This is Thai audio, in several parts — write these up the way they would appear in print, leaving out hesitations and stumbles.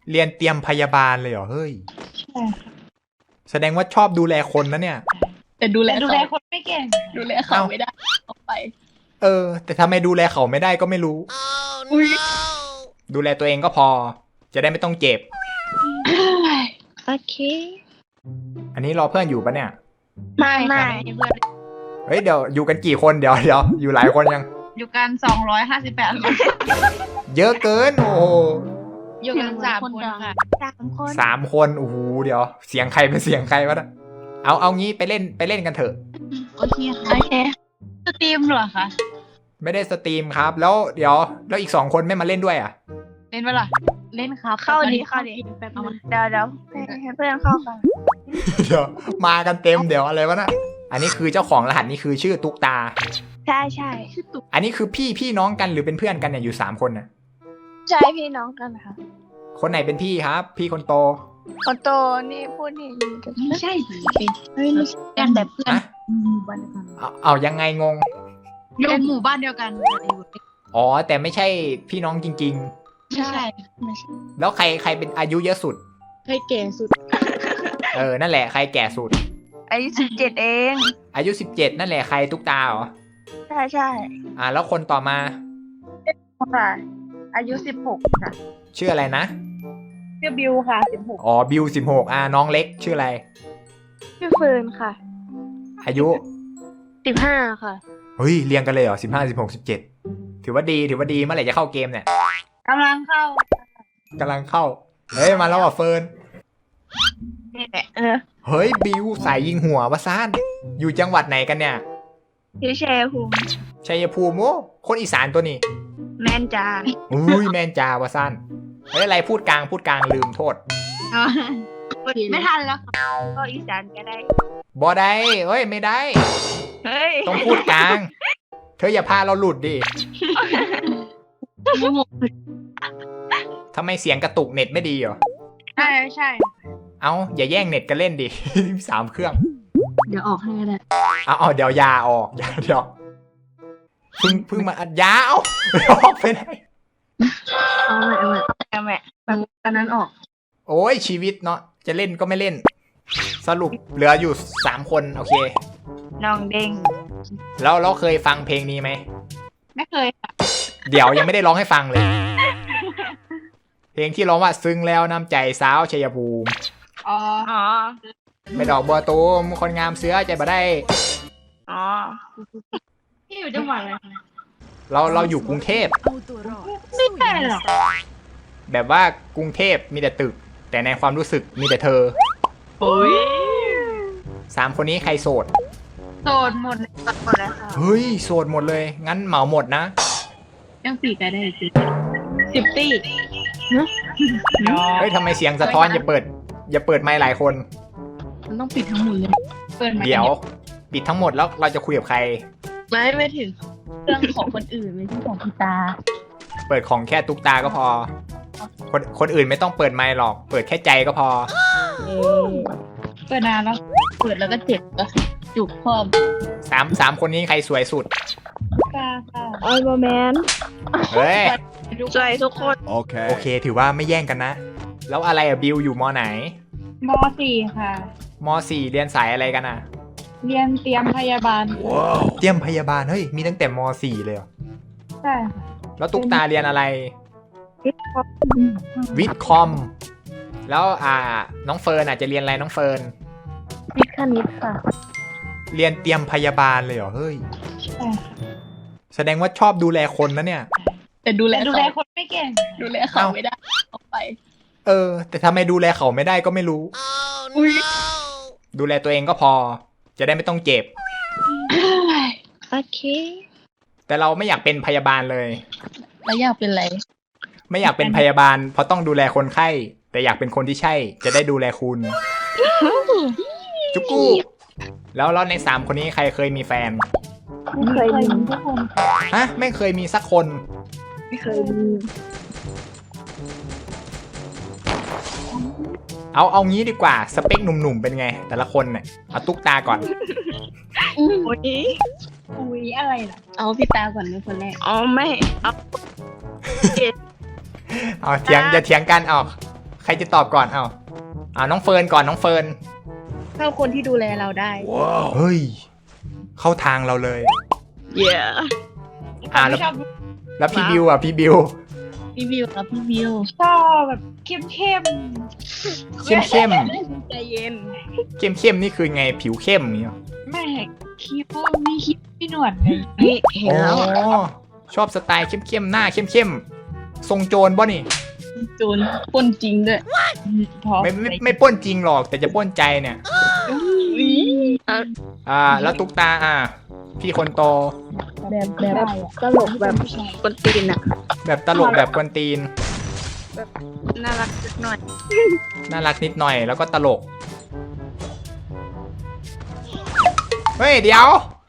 เรียนเตรียมพยาบาลเลยเหรอเฮ้ยใช่ค่ะแสดงว่าชอบดูแลคนนะเนี่ยแต่ดูแลแต่ดูแลคนไม่เก่งดูแลเขาไม่ได้ออกไปแต่ทำไมดูแลเขาไม่ได้ก็ไม่รู้อุ้ยดูแลตัวเองก็พอ จะได้ไม่ต้องเจ็บโอเคอันนี้รอเพื่อนอยู่ปะเนี่ยไม่ค่ะเพื่อนเฮ้ยเดี๋ยวอยู่กันกี่คนเดี๋ยวอยู่หลายคนยังอยู่กัน258 คนเยอะเกินโอ้โหอยู่กัน3 คนค่ะ 3 คน 3 คนโอ้โหเดี๋ยว เสียงใครเป็นเสียงใครวะนะเอางี้ไปเล่นกันเถอะโอเคค่ะโอเคสตรีมเหรอคะไม่ได้สตรีมครับ แล้วเดี๋ยวแล้วอีก2 คนไม่มาเล่นด้วยอ่ะเล่นไหมล่ะเล่นครับเข้าดีแป๊บนึงเดี๋ยวให้เพื่อนเข้ากันเดี๋ยวมากันเต็มเดี๋ยวอะไรวะนะอันนี้คือเจ้าของรหัสนี่คือชื่อตุ๊กตาใช่ใช่ชื่อตุ๊กอันนี้คือพี่น้องกันหรือเป็นเพื่อนกันเนี่ยอยู่3 คนน่ะใช่พี่น้องกันค่ะคนไหนเป็นพี่ครับ พี่คนโตคนโตนี่พูดนี่ไม่ใช่เป็นเฮ้ยไม่ใช่กันแต่เพื่อนอะหมู่บ้านเดียวกันเอายังไงงงอยู่หมู่บ้านเดียวกันอ๋อแต่ไม่ใช่พี่น้องจริงใช่ไม่ใช่ๆ แล้วใครเป็นอายุเยอะสุดใครแก่สุดนั่นแหละใครแก่สุดอายุ17 เองอายุ 17นั่นแหละใครตุ๊กตาเหรอใช่ใช่แล้วคนต่อมาค่ะ อายุ16ค่ะชื่ออะไรนะชื่อบิวค่ะอ๋อบิว16น้องเล็กชื่ออะไร 16ชื่อเฟิร์นค่ะอายุ 15ค่ะเฮ้ยเรียงกันเลยเหรอ15 16 17ถือว่าดีเมื่อไหร่จะเข้าเกมเนี่ยกำลังเข้ากำลังเข้าเฮ้ยมาแล้วอ่ะเฟิร์นนี่แหละเฮ้ยบิวสายยิงหัววะซ่านอยู่จังหวัดไหนกันเนี่ยชื่อแชร์ภูมิชัยภูมิโอ้คนอีสานตัวนี้แมนจาอุ้ยแมนจาวะซ่านเฮ้ยอะไรพูดกลางลืมโทษไม่ทันแล้วก็อีสานก็ได้บอได้เฮ้ยไม่ได้เฮ้ยต้องพูดกลาง เธออย่าพาเราหลุดดิทำไมเสียงกระตุกเน็ตไม่ดีเหรอใช่ใช่เอาอย่าแย่งเน็ตกันเล่นดิ 3 เครื่องเดี๋ยวออกให้ก็ได้เอาเดี๋ยวยาออกเดี๋ยวเพิ่งมาอัดยาเอาออกไปไหนเอาใหม่แม่ตอนนั้นออกโอ้ยชีวิตเนาะจะเล่นก็ไม่เล่น สรุปเหลืออยู่3 คนโอเคน้องเด้งแล้วเราเคยฟังเพลงนี้ไหมไม่เคยค่ะเดี๋ยวยังไม่ได้ร้องให้ฟังเลย เพลงที่ร้องว่าซึ้งแล้วน้ำใจสาวชัยภูมิอ๋ออ๋อไม่ดอกบัวตูมคนงามเสือใจบ่ได้อ๋อที่อยู่จังหวัดอะไรคะเราอยู่กรุงเทพไม่ใช่หรอกแบบว่ากรุงเทพมีแต่ตึก แต่ในความรู้สึกมีแต่เธอโอ้ย 3 คนนี้ใครโสดโสดหมดหมดแล้วค่ะเฮ้ยโสดหมดเลย งั้นเหมาหมดนะยังปีกันได้อีก10 ตีเฮ้ยทำไมเสียงสะท้อนอย่าเปิดไมค์หลายคนมันต้องปิดทั้งหมดเลยเปิดมาเดี๋ยวปิดทั้งหมดแล้วเราจะคุยกับใครไม่ถึงเรื่องของคนอื่นไม่ใช่ของพี่ตาเปิดของแค่ตุ๊กตาก็พอ คนอื่นไม่ต้องเปิดไมค์หรอก เปิดแค่ใจก็พอเปิดนานแล้วเปิดแล้วก็เจ็บก็จุกพร้อม 3 คนนี้ใครสวยสุดตาค่ะไอ้บอแมนเฮ้ยสวยทุกคนโอเคถือว่าไม่แย่งกันนะ แล้วอะไรอะบิวอยู่มไหนม .4 ค่ะม4เรียนสายอะไรกันอะเรียนเตรียมพยาบาลเตรียมพยาบาลเฮ้ยมีตั้งแต่ม4เลยเหรอใช่ค่ะแล้วตุ๊กตาเรียนอะไร วิทย์คอม แล้วน้องเฟิร์นอาจจะเรียนอะไรน้องเฟิร์นวิทย์คณิตค่ะเรียนเตรียมพยาบาลเลยเหรอเฮ้ยใช่ค่ะแสดงว่าชอบดูแลคนนะเนี่ยแต่ดูแลคนไม่เก่ง ดูแลเขาไม่ได้ออกไปแต่ทำไมดูแลเขาไม่ได้ก็ไม่รู้อุ้ยดูแลตัวเองก็พอ จะได้ไม่ต้องเจ็บโอเคแต่เราไม่อยากเป็นพยาบาลเลยแล้วอยากเป็นอะไรไม่อยากเป็นพยาบาลเพราะต้องดูแลคนไข้ แต่อยากเป็นคนที่ใช่ จะได้ดูแลคุณ จุกกู้แล้วใน3 คนนี้ใครเคยมีแฟนไม่เคยมีทุกคนฮะไม่เคยมีสักคนไม่เคยมีเอางี้ดีกว่าสเปคหนุ่มๆเป็นไง แต่ละคนเนี่ยเอาตุ๊กตาก่อนโอ้ยอุ้ยอะไรล่ะ เอาพี่ตาก่อนเป็นคนแรกอ๋อไม่เอาเอาเถียงอย่าเถียงกันเอาใครจะตอบก่อนน้องเฟิร์นก่อนน้องเฟิร์นเข้าคนที่ดูแลเราได้เฮ้ยเข้าทางเราเลยเย้แล้วชอบแล้วพี่บิวพี่บิวพี่วิวกับพี่วิวชอบแบบเข้มเข้มใจเย็นนี่คือไงผิวเข้มนี่หรอแม่คิ้วมีคิ้วมีหนวดเลยๆนี่เห็นแล้วชอบสไตล์เข้มหน้าเข้มทรงโจรป่ะนี่จูนปนจริงด้วยพอไม่ปล้นจริงหรอกแต่จะปล้นใจเนี่ยอุ๊ยแล้วตุ๊กตาพี่คนโตแบบตลกแบบคนตีนอะแบบตลกแบบกวนตีนน่ารักสักหน่อยน่ารักนิดหน่อยแล้วก็ตลก เฮ้ยเดี๋ยว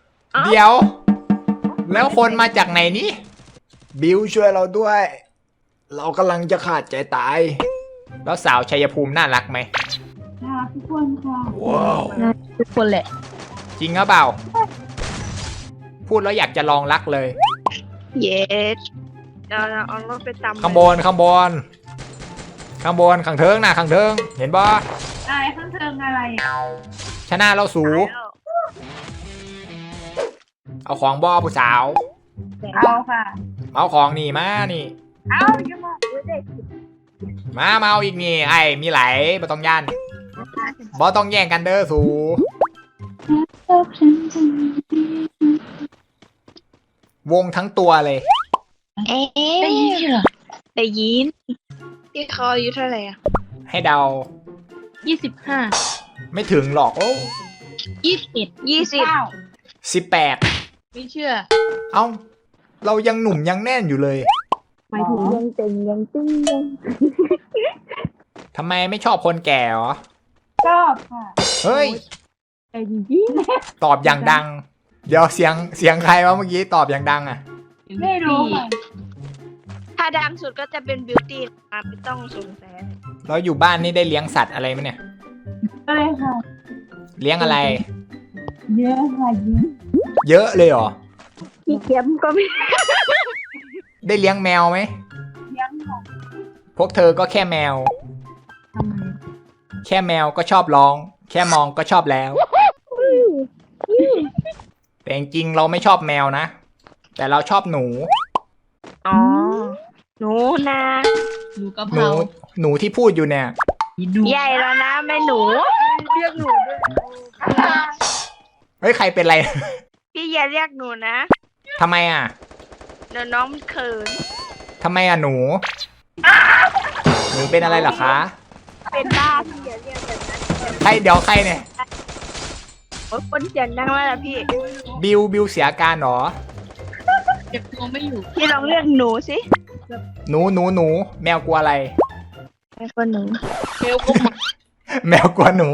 แล้วคนมาจากไหนนี่บิวช่วยเราด้วย เรากำลังจะขาดใจตาย แล้วสาวชัยภูมิน่ารักไหมน่ารักทุกคนค่ะว้าวทุกคนแหละจริงหรือเปล่า พูดแล้วอยากจะลองรักเลยเย้เราเอารถไปตำข้างบนข้างเทิงนะข้างเทิงเห็นบ่อะไรข้างเทิงอะไรชนะเราสูเอาของบ่ผู้สาวเอาค่ะเอาของนี่มานี่เอาอย่ามามาเอาอีกนี่ไอ้มีไหลบ่ต้องย่านบ่ต้องแย่งกันเด้อสูวงทั้งตัวเลยเอ๊ะได้ยินเหรอได้ยินที่เขาอายุเท่าไหร่อะให้เดา 25 ไม่ถึงหรอกโอ้ 21 20 18 ไม่เชื่อเอ้าเรายังหนุ่มยังแน่นอยู่เลยหมายถึงยังตึงยังตึงยังทำไมไม่ชอบคนแก่เหรอชอบค่ะเฮ้ยแต่จริงตอบอย่างดัง เดี๋ยวเสียงใครวะเมื่อกี้ตอบอย่างดังอ่ะไม่รู้ค่ะถ้าดังสุดก็จะเป็นบิวตี้นะไม่ต้องสงสัยแล้วอยู่บ้านนี่ได้เลี้ยงสัตว์อะไรไหมเนี่ยก็เลยค่ะเลี้ยงอะไรเยอะค่ะเยอะเยอะเลยเหรอพี่เข็มก็ไม่ได้เลี้ยงแมวไหมเลี้ยงค่ะพวกเธอก็แค่แมวทำไมแค่แมวก็ชอบร้อง แค่มองก็ชอบแล้ว แต่จริงๆเราไม่ชอบแมวนะ แต่เราชอบหนูอ๋อหนูนาหนูกะเพหนูราหนูที่พูดอยู่เนี่ยดูใหญ่แล้วนะแม่หนูเรียกหนูด้วยเฮ้ยใครเป็นไรพี่อย่าเรียกหนูนะทำไมอ่ะเดี๋ยวน้องมันเขินทำไมอ่ะหนูเป็นอะไรเหรอคะเป็นบ้าพี่อย่าเรียกแบบนั้นใครเดี๋ยวใครเนี่ยโอ๊ยคนเสียงดังมากอะพี่บิวเสียอาการเหรอเก็บตัวไม่อยู่พี่ลองเรียกหนูสิหนูแมวกลัวอะไรไอ้คนหนูเบลก็มาแมวกลัวหนู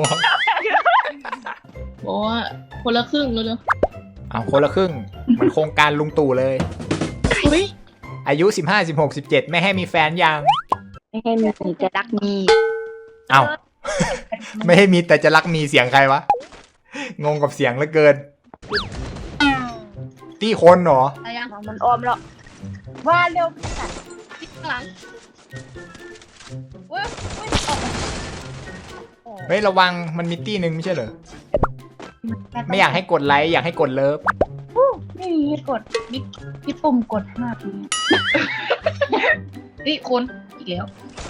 บอกว่าคนละครึ่งแล้วเนอะเอาคนละครึ่งเหมันโครงการลุงตู่เลยอุ้ยอายุ 15 16 17 ไม่ให้มีแฟนยังไม่ให้มีจะรักมีเอาไม่ให้มีแต่จะรักมีเสียงใครวะ งงกับเสียงเหลือเกิน ตี้คนเหรออะไรยังมันออมแล้วว่าเร็วพี่ค่ะพี่ข้างหลังเว้ยเว้ยออกมาเฮ้ยระวังมันมีตี้หนึ่งไม่ใช่เหรอ ไม่อยากให้กดไลค์อยากให้กดเลิฟไม่มีให้กดพี่ปุ่มกด5ปีนี่คนอีกแล้ว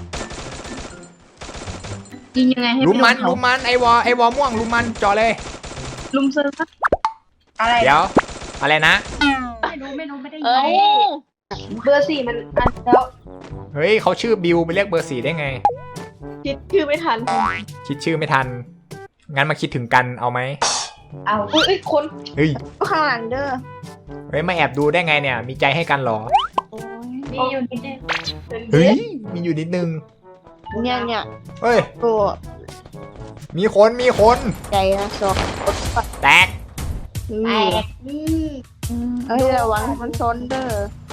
ยิงยังไงให้ลุมมันไโดเขาลุมมันไอวอม่วงลุมมันจอเลยลุมเซิร์ฟอะไรเดี๋ยว อะไรนะไม่รู้ไม่ได้ยินเบอร์ 4มันอันแล้วเฮ้ยเขาชื่อบิวไปเรียกเบอร์ 4ได้ไงคิดชื่อไม่ทันคิดชื่อไม่ทัน งั้นมาคิดถึงกันเอาไหมเอาอุ้ยคนเฮ้ยข้างหลังเด้อเฮ้ยมาแอบดูได้ไงเนี่ย มีใจให้กันเหรอมีอยู่นิดนึงเฮ้ย มีอยู่นิดนึงเนี่ยเฮ้ยตัวมีคนใจนะสองแตกแตกเอ้ยระวังมันซนเด้อ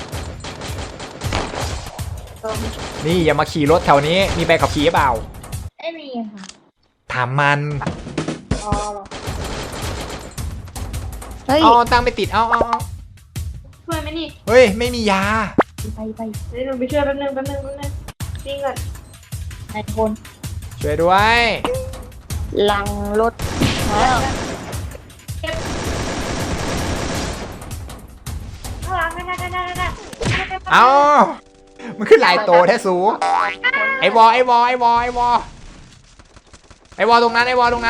นี่อย่ามาขี่รถแถวนี้ มีใบขับขี่หรือเปล่าไม่มีค่ะถามมันอ๋อเฮ้ยเอาตั้งไม่ติด เอาช่วยไหมนี่เฮ้ย ไม่มียาไปเดี๋ยวหนูไปช่วยแป๊บนึงนี่ก่อนไอ้คนช่วยด้วยหลังรถข้างหลังนั่นเอ้ามันขึ้นหลายโตแท้สูไอวอตรงนั้น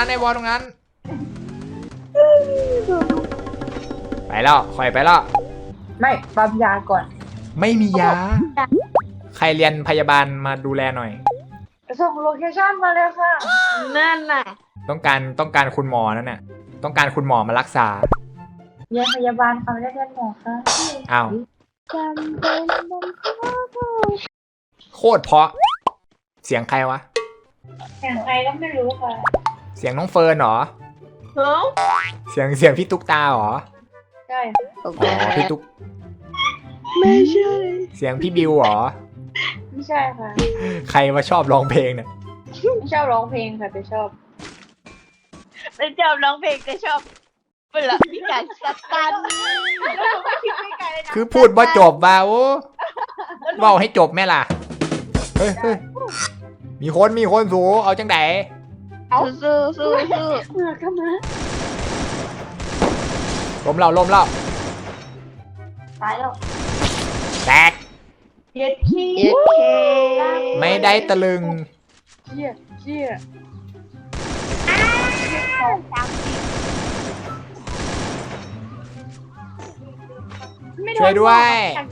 ไปแล้วคอยไปแล้วไม่ปั๊มยาก่อนไม่มียา ใครเรียนพยาบาลมาดูแลหน่อยส่งโลเคชั่นมาเลยค่ะนั่นน่ะต้องการคุณหมอนั่นน่ะต้องการคุณหมอมารักษาเรียนพยาบาลค่ะไม่ได้เรียนหมอค่ะอ้าวจำเป็นต้องเข้าโคตรเพราะเสียงใครวะอย่างใครก็ไม่รู้ค่ะเสียงน้องเฟิร์นเหรอเฮ้ยเสียงพี่ตุ๊กตาเหรอใช่อ๋อพี่ตุ๊กไม่ใช่เสียงพี่บิวเหรอไม่ใช่ค่ะใครมาชอบร้องเพลงเนี่ยไม่ชอบร้องเพลงค่ะแต่ชอบไม่ชอบร้องเพลงแต่ชอบเวลามีการสตันคือพูดว่าจบบ่าโอ้เว่าให้จบแม่ล่ะเฮ้ยมีคนสูเอาจังไดสู้เหงื่อก็มาล้มเล่าตายแล้วแตกเย็ดขี้เย้เคไม่ได้ตะลึงเชี่ยช่วยด้วย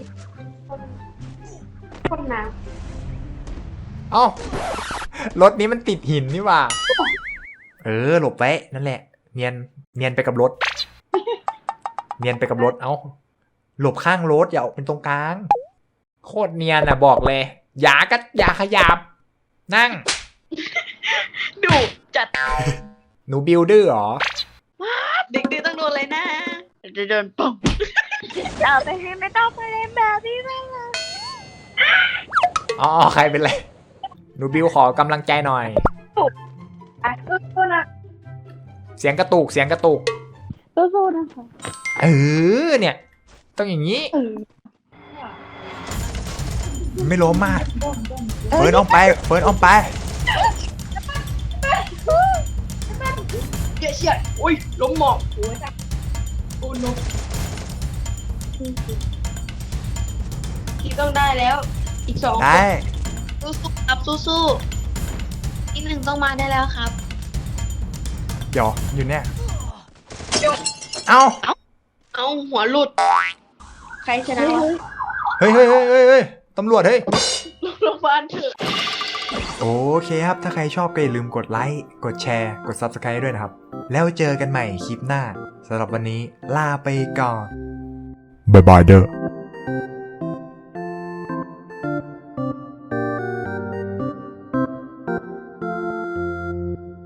คนหนาเอ้ารถนี้มันติดหินนี่หว่า หลบไว้นั่นแหละ เนียนไปกับรถ เนียนไปกับรถ เอ้า หลบข้างรถอย่าออกเป็นตรงกลาง โคตรเนียนอ่ะบอกเลย อย่าขยับ นั่งดุจัดหนูบิวดื้อเหรอเด็กดื้อต้องโดนเลยนะจะโดนป่องเอาไปให้ไม่ต้องไปเล่นแบบนี้บ้างนะอ๋อใครเป็นไร หนูบิวขอกำลังใจหน่อยสู้ๆนะเสียงกระตุกสู้ๆนะคะเนี่ย ต้องอย่างนี้ ไม่ล้มมากเฟิร์นออกไปเชี่ยอุ้ยล้มหมอกพี่ต้องได้แล้ว อีกสองได้สู้ๆครับสู้ๆอีกหนึ่งต้องมาได้แล้วครับเดี๋ยวอยู่เนี่ย เอ้าเอาหัวหลุด ใครชนะวะเฮ้ย ตำรวจเฮ้ยโรงพยาบาลเถอะโอเคครับ ถ้าใครชอบก็อย่าลืมกดไลค์ กดแชร์ กด Subscribe ด้วยนะครับ แล้วเจอกันใหม่คลิปหน้าสำหรับวันนี้ลาไปก่อน บ๊ายบายเด้อ